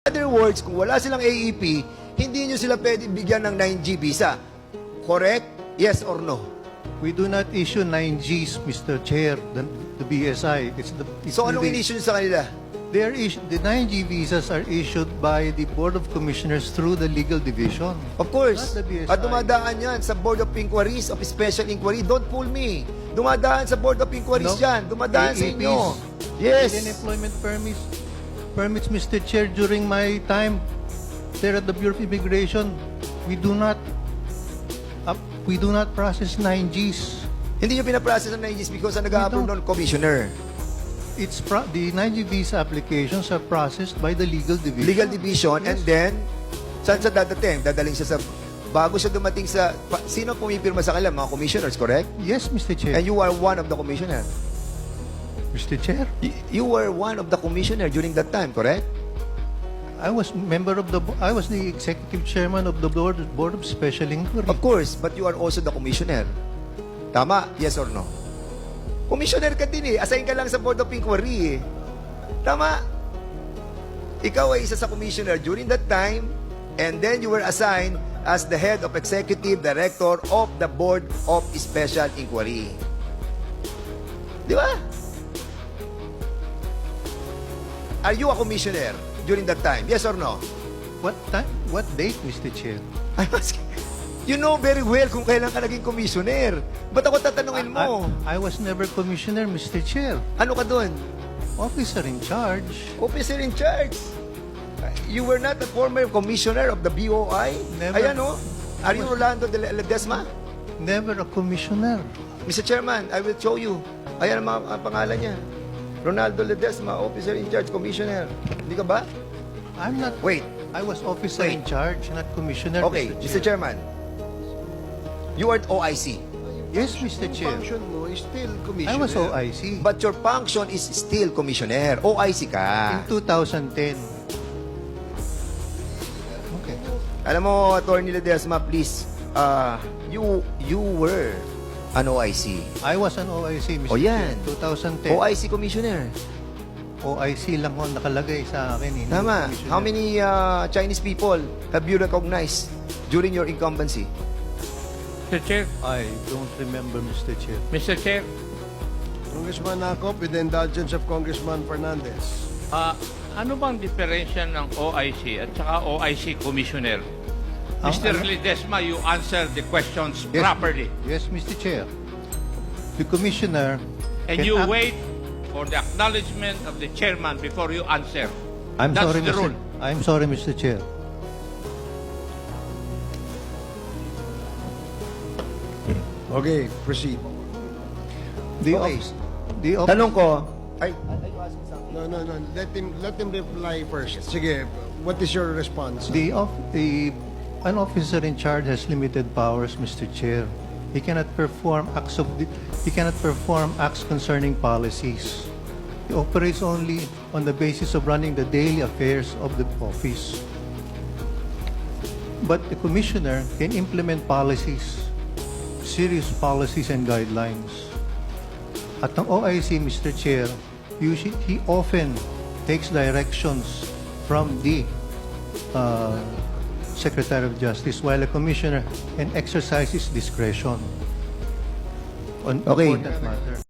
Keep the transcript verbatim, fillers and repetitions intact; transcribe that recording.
other words, kung wala silang A E P, hindi nyo sila pwede bigyan ng nine G visa. Correct? Yes or no? We do not issue nine Gs, Mister Chair, the, the B S I. It's the, it's So anong the, in-issue nyo sa kanila? they are issu- the nine G visas are issued by the Board of Commissioners through the Legal Division. Of course. Not the B S I. At dumadaan yan sa Board of Inquiries of Special Inquiry. Don't fool me. Dumadaan sa Board of Inquiries No. yan. Dumadaan sa A E Ps. inyo. Yes. Alien employment permits, permits, Mister Chair, during my time there at the Bureau of Immigration, we do not, uh, we do not process nine Gs. Hindi nyo pinaprocess ng nine Gs because ang nag-a-approve don't. ng commissioner. It's pro- the nine G visa applications are processed by the Legal Division. Legal Division, and Yes. then, saan sa dadating? Dadaling siya sa, bago siya dumating sa, pa, sino pumipirma sa kanila? Mga commissioners, correct? Yes, Mister Chair. And you are one of the commissioner. Mister Chair, Y- You were one of the commissioner during that time, correct? I was member of the bo- I was the executive chairman of the board board of special inquiry. Of course, but you are also the commissioner. Tama? Yes or no? Commissioner ka din eh. Assign ka lang sa Board of Inquiry eh. Tama? Ikaw ay isa sa commissioner during that time, and then you were assigned as the head of executive director of the Board of Special Inquiry. Di ba? Are you a commissioner during that time? Yes or no? What time? What date, Mister Chair? I'm asking. You know very well kung kailan ka naging commissioner. Ba't ako tatanungin mo? I, I was never commissioner, Mister Chair. Ano ka doon? Officer in charge. Officer in charge. You were not a former commissioner of the B O I? Never. Ayan o. Are you Rolando de Ledesma? Never a commissioner. Mister Chairman, I will show you. Ayan ang mga ang pangalan niya. Ronaldo Ledesma, officer in charge, commissioner. Hindi ka ba? I'm not. Wait. I was officer Wait. in charge, not commissioner. Okay, Mister Chairman. You are O I C. Yes, Mister Chair. Function mo is still I commissioner. was O I C. But your function is still commissioner. O I C ka. In two thousand ten. Okay. Alam mo, Attorney Ledesma, please, uh, you you were an O I C. I was an O I C, Mister O yan. Chair. two thousand ten. O I C commissioner. O I C lang ho nakalagay sa akin. Hindi Tama. commissioner. How many uh, Chinese people have you recognized during your incumbency? Mister Chair, I don't remember, Mister Chair. Mister Chair, Congressman Acop, with the indulgence of Congressman Fernandez. ah, ano bang diferensya ng O I C at saka O I C Commissioner? Ang- Mister ano- Ledesma, you answer the questions Yes, properly. Yes, Mister Chair. The commissioner And can you act- wait for the acknowledgement of the chairman before you answer. I'm That's sorry, the Mister rule. I'm sorry, Mister Chair. Okay, proceed. The Okay. office, the office, Tanong ko, ay, No, no, no. Let him let him reply first. Sige, what is your response? the of the an officer in charge has limited powers, Mister Chair. He cannot perform acts of the, he cannot perform acts concerning policies. He operates only on the basis of running the daily affairs of the office. But the commissioner can implement policies, serious policies and guidelines. At ang O I C, Mister Chair, usually, he often takes directions from the uh, Secretary of Justice, while a commissioner can exercise his discretion on Okay. important matter.